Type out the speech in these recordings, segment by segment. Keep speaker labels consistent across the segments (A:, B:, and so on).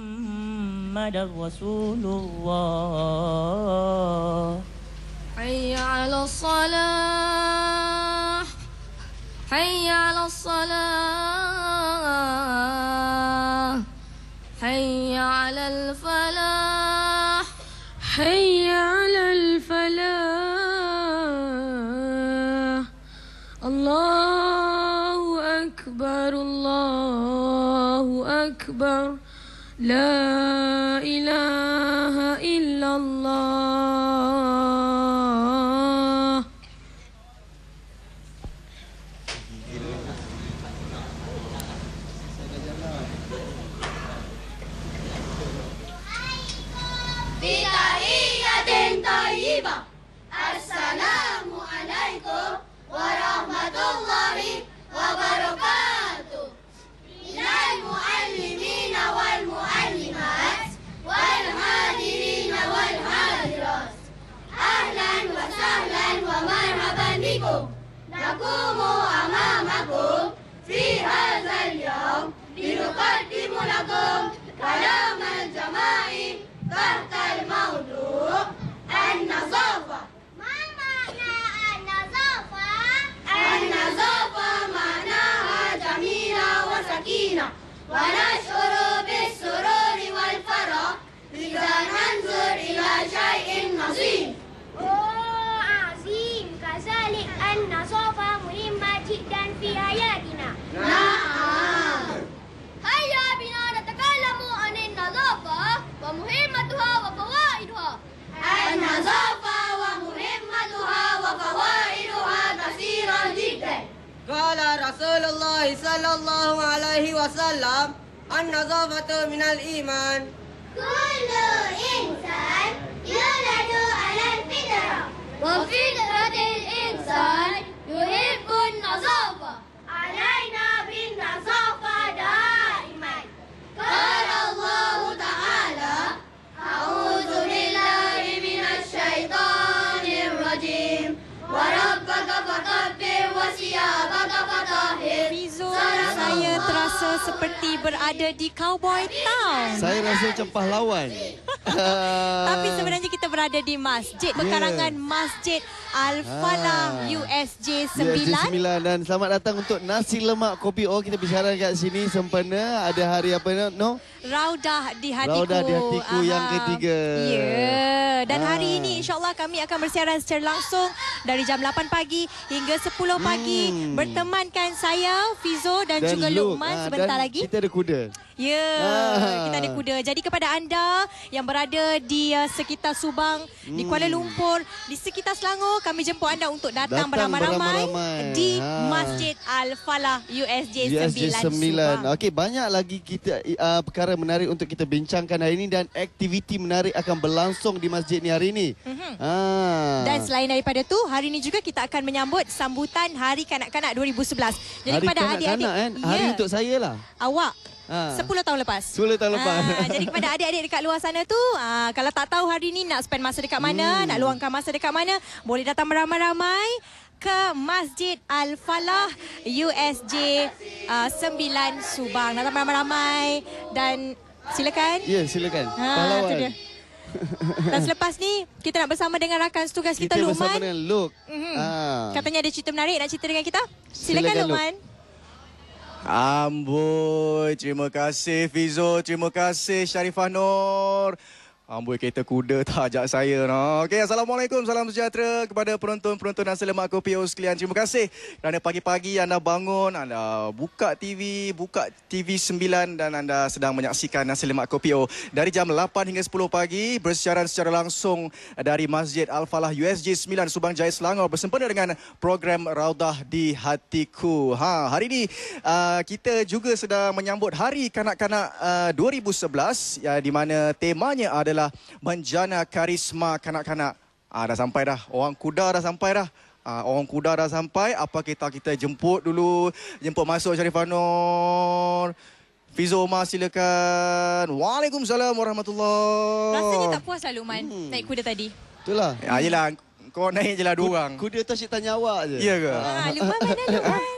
A: محمد رسول الله
B: حي على الصلاة حي على الصلاة حي على الفلاح حي على الفلاح الله أكبر الله أكبر لا إله إلا الله.
C: بتحية طيبة السلام عليكم ورحمة الله وبركاته من المعلمين والمعلمات والحاضرين والحاضرات أهلا وسهلا ومرحبا بكم نقوم أمامكم في هذا اليوم لنقدم لكم كلام الجماعي تحت الموضوع النظافة. ما معنى النظافة؟ النظافة معناها جميلة وسكينة ونشعر بالسرور والفرح إذا ننظر إلى شيء نظيف.
D: عظيم. كذلك النظافة مهمة جدا في حياتنا.
C: نعم. هيا بنا نتكلم عن النظافة ومهمتها وفوائدها. النظافة ومهمتها وفوائدها كثيرة جدا.
E: قال رسول الله صلى الله عليه وسلم النظافة من الإيمان.
C: كل إنسان يولد على الفطرة وفطرة الإنسان يحب النظافة. علينا بالنظافة دائما. قال الله تعالى أعوذ بالله من الشيطان الرجيم وربك فكبر وثيابك فطهر.
F: Fizo, saya terasa seperti berada di Cowboy Town.
G: Saya rasa macam pahlawan.
F: Tapi sebenarnya kita berada di masjid pekarangan Masjid Al-Falah USJ 9.
G: USJ 9 dan selamat datang untuk nasi lemak kopi O. Kita bicara kat sini sempena ada hari apa no?
F: Raudah di hatiku.
G: Raudah di hatiku yang ketiga.
F: Ya. Dan hari ini insya-Allah kami akan bersiaran secara langsung dari jam 8 pagi hingga 10 pagi bertemankan saya Fizo dan juga Luqman sebentar
G: dan
F: lagi.
G: Kita ada kuda.
F: Ya, kita ada kuda. Jadi kepada anda yang berada di sekitar Subang, di Kuala Lumpur, di sekitar Selangor, kami jemput anda untuk datang beramai-ramai di Masjid Al-Falah USJ 9 Subang.
G: Okey, banyak lagi kita perkara menarik untuk kita bincangkan hari ini dan aktiviti menarik akan berlangsung di masjid ni hari ini.
F: Dan selain daripada tu, hari ini juga kita akan menyambut sambutan Hari Kanak-Kanak 2011. Jadi
G: hari
F: kepada adik-adik,
G: hari untuk saya lah.
F: Awak 10 tahun lepas.
G: 10 tahun lepas.
F: Jadi kepada adik-adik dekat luar sana tu, kalau tak tahu hari ni nak spend masa dekat mana, nak luangkan masa dekat mana, boleh datang beramai-ramai ke Masjid Al-Falah USJ 9 Subang. Datang beramai-ramai dan silakan.
G: Ya, silakan.
F: Itu dia. Dan selepas ni kita nak bersama dengan rakan setugas kita Luqman.
G: Kita bersama dengan Luq.
F: Katanya ada cerita menarik nak cerita dengan kita. Silakan Luqman.
H: Amboi, terima kasih Fizo, terima kasih Sharifah Nur. Amboi, kereta kuda tak ajak saya. No. Okey, Assalamualaikum, salam sejahtera kepada penonton-penonton Nasi Lemak Kopi O sekalian. Terima kasih kerana pagi-pagi anda bangun, anda buka TV 9 dan anda sedang menyaksikan Nasi Lemak Kopi O. Dari jam 8 hingga 10 pagi, bersiaran secara langsung dari Masjid Al-Falah USJ 9 Subang Jaya Selangor bersempena dengan program Raudah di Hatiku. Hari ini kita juga sedang menyambut Hari Kanak-Kanak 2011 di mana temanya adalah menjana karisma kanak-kanak. Dah sampai dah. Orang kuda dah sampai dah. Orang kuda dah sampai. Apa kita jemput dulu. Jemput masuk Sharifah Nur. Fizo Omar silakan. Waalaikumsalam warahmatullahi.
F: Rasanya tak puas lah Luqman naik kuda tadi.
G: Itulah.
H: Yelah, kau naik je lah dua orang.
G: Kuda tu asyik tanya awak je.
H: Ya ke?
F: Luqman mana Luqman?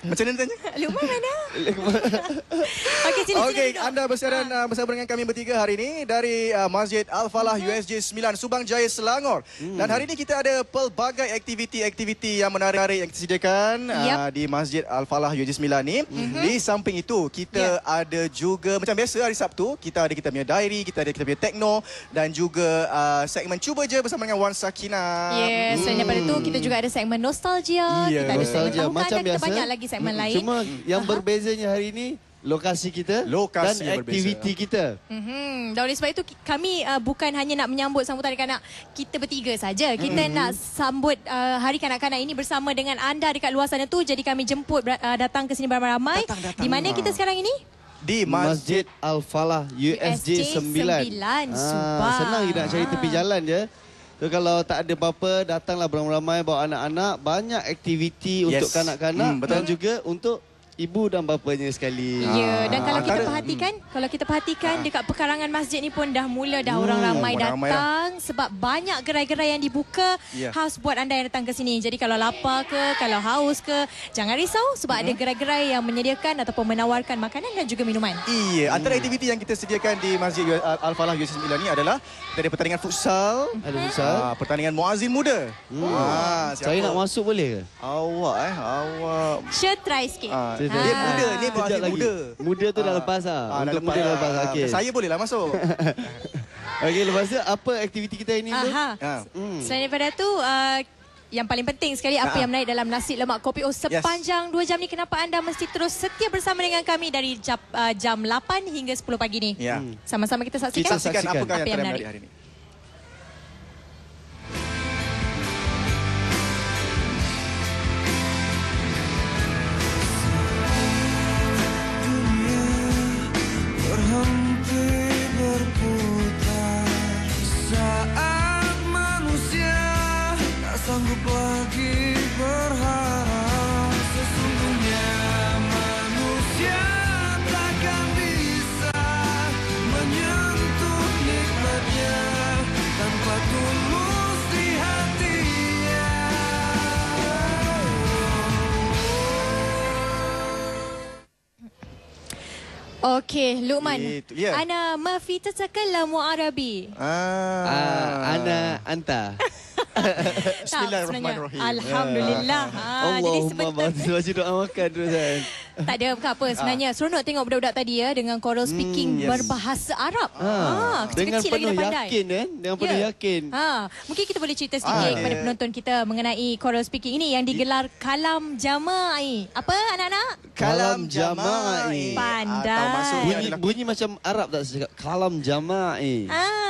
H: Macam mana tanya?
F: Luqman mana? Okey, sini.
H: Okey,
F: duduk.
H: anda bersiaran bersama dengan kami bertiga hari ini dari Masjid Al-Falah USJ 9 Subang Jaya, Selangor. Dan hari ini kita ada pelbagai aktiviti-aktiviti yang menarik yang disediakan di Masjid Al-Falah USJ 9 ni. Di samping itu, kita ada juga macam biasa hari Sabtu, kita punya diary, kita ada kita punya techno dan juga segmen Cuba Je bersama dengan Wan Sakinah.
F: Yes, selain daripada itu kita juga ada segmen nostalgia, kita ada segmen
G: Nostalgia
F: tahunan
G: macam
F: dan kita
G: biasa.
F: banyak lagi segmen lain.
G: Cuma yang berbezanya hari ini lokasi kita
H: Lokasi
G: dan aktiviti kita.
F: Dan oleh sebab itu kami bukan hanya nak menyambut sambutan kanak-kanak kita bertiga saja. Kita nak sambut Hari Kanak-kanak ini bersama dengan anda dekat luar sana tu. Jadi kami jemput datang ke sini beramai-ramai. Di mana kita sekarang ini?
H: Di
G: Masjid Al-Falah USJ 9
F: Subang.
G: Senang je nak cari tepi jalan je. So, kalau tak ada apa-apa, datanglah beramai-ramai bawa anak-anak. Banyak aktiviti untuk kanak-kanak dan juga untuk ibu dan bapanya sekali.
F: Ya, dan kalau kita perhatikan dekat pekarangan masjid ni pun dah mula orang ramai datang sebab banyak gerai-gerai yang dibuka khas buat anda yang datang ke sini. Jadi kalau lapar ke, kalau haus ke, jangan risau sebab ada gerai-gerai yang menyediakan ataupun menawarkan makanan dan juga minuman.
H: Iya, antara aktiviti yang kita sediakan di Masjid Al-Falah USJ 9 ni adalah kita ada pertandingan futsal, pertandingan muazzin muda.
G: Saya nak masuk boleh ke?
H: Awak.
F: Syed try sikit.
H: Dia muda, ni muazzin muda.
G: Muda tu dah lepas Untuk muda dah lepas. Okey.
H: Saya bolehlah masuk.
G: Okey, lepas tu apa aktiviti kita ini tu?
F: Selain daripada tu yang paling penting sekali apa yang menarik dalam nasi lemak kopi sepanjang 2 jam ni, kenapa anda mesti terus setia bersama dengan kami dari jam 8 hingga 10 pagi ni. Sama-sama kita saksikan.
H: Apakah yang
F: menarik
H: hari ini.
A: Sanggup lagi berharap, sesungguhnya manusia takkan bisa menyentuh nikmatnya tanpa tulus di hatinya.
F: Okey, Luqman. Ana ma fi tatakallamu Arabi.
G: Ana anta.
H: Bismillahirrahmanirrahim.
F: Alhamdulillah.
G: Allahumma baca doa makan terus kan.
F: Tak ada apa sebenarnya. Seronok tengok budak-budak tadi dengan choral speaking berbahasa Arab.
G: Dengan
F: kecil-kecil
G: penuh
F: lagi dah pandai.
G: yakin dengan penuh yakin.
F: Mungkin kita boleh cerita sedikit kepada penonton kita mengenai choral speaking ini yang digelar Kalam Jama'i. Apa anak-anak?
G: Kalam Jama'i.
F: Pandai.
G: Bunyi macam Arab tak cakap Kalam Jama'i.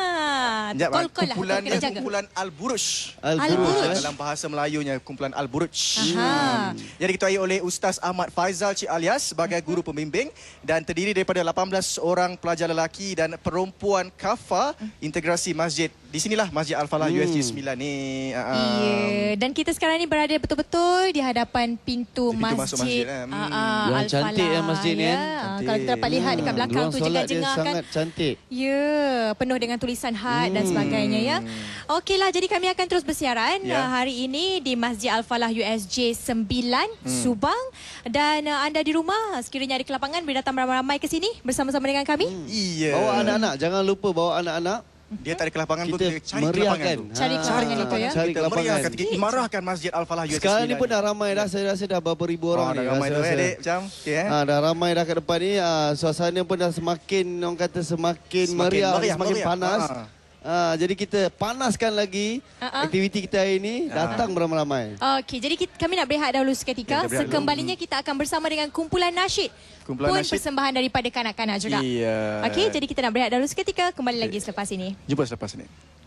H: Kumpulan Al-Buruj. Dalam bahasa Melayunya kumpulan Al-Buruj. Jadi diketuai oleh Ustaz Ahmad Faizal Cik Alias sebagai guru pembimbing dan terdiri daripada 18 orang pelajar lelaki dan perempuan kafa integrasi masjid. Di sinilah Masjid Al-Falah USJ 9 ni.
F: Dan kita sekarang ni berada betul-betul di hadapan pintu masjid.
G: Yang cantik masjid ni.
F: Kalau kita dapat lihat dekat belakang tu jengah-jengah kan.
G: Sangat cantik.
F: Ya, penuh dengan tulisan had dan sebagainya ya. Okeylah, jadi kami akan terus bersiaran hari ini di Masjid Al-Falah USJ 9 Subang. Dan anda di rumah sekiranya ada kelapangan boleh datang ramai-ramai ke sini bersama-sama dengan kami.
G: Bawa anak-anak, jangan lupa bawa anak-anak.
H: Dia tak ada kelapangan pun kita cari
G: meriahkan.
H: Cari kelapangan itu ya.
G: Cari kelapangan.
H: Kita imarahkan Masjid Al-Falah USJ 9.
G: Sekarang ni pun dah ramai dah. Saya rasa dah berapa ribu orang ni.
H: Dah ramai dah adik macam.
G: Dah ramai dah kat depan ni. Suasana pun dah semakin orang kata semakin meriah, semakin panas. Jadi kita panaskan lagi aktiviti kita hari ini. Datang beramai-ramai.
F: Okey, jadi kami nak berehat dahulu seketika. Sekembalinya kita akan bersama dengan kumpulan nasyid. Persembahan daripada kanak-kanak juga. Okey, jadi kita nak berehat dahulu seketika. Kembali lagi selepas ini.
H: Jumpa selepas ini.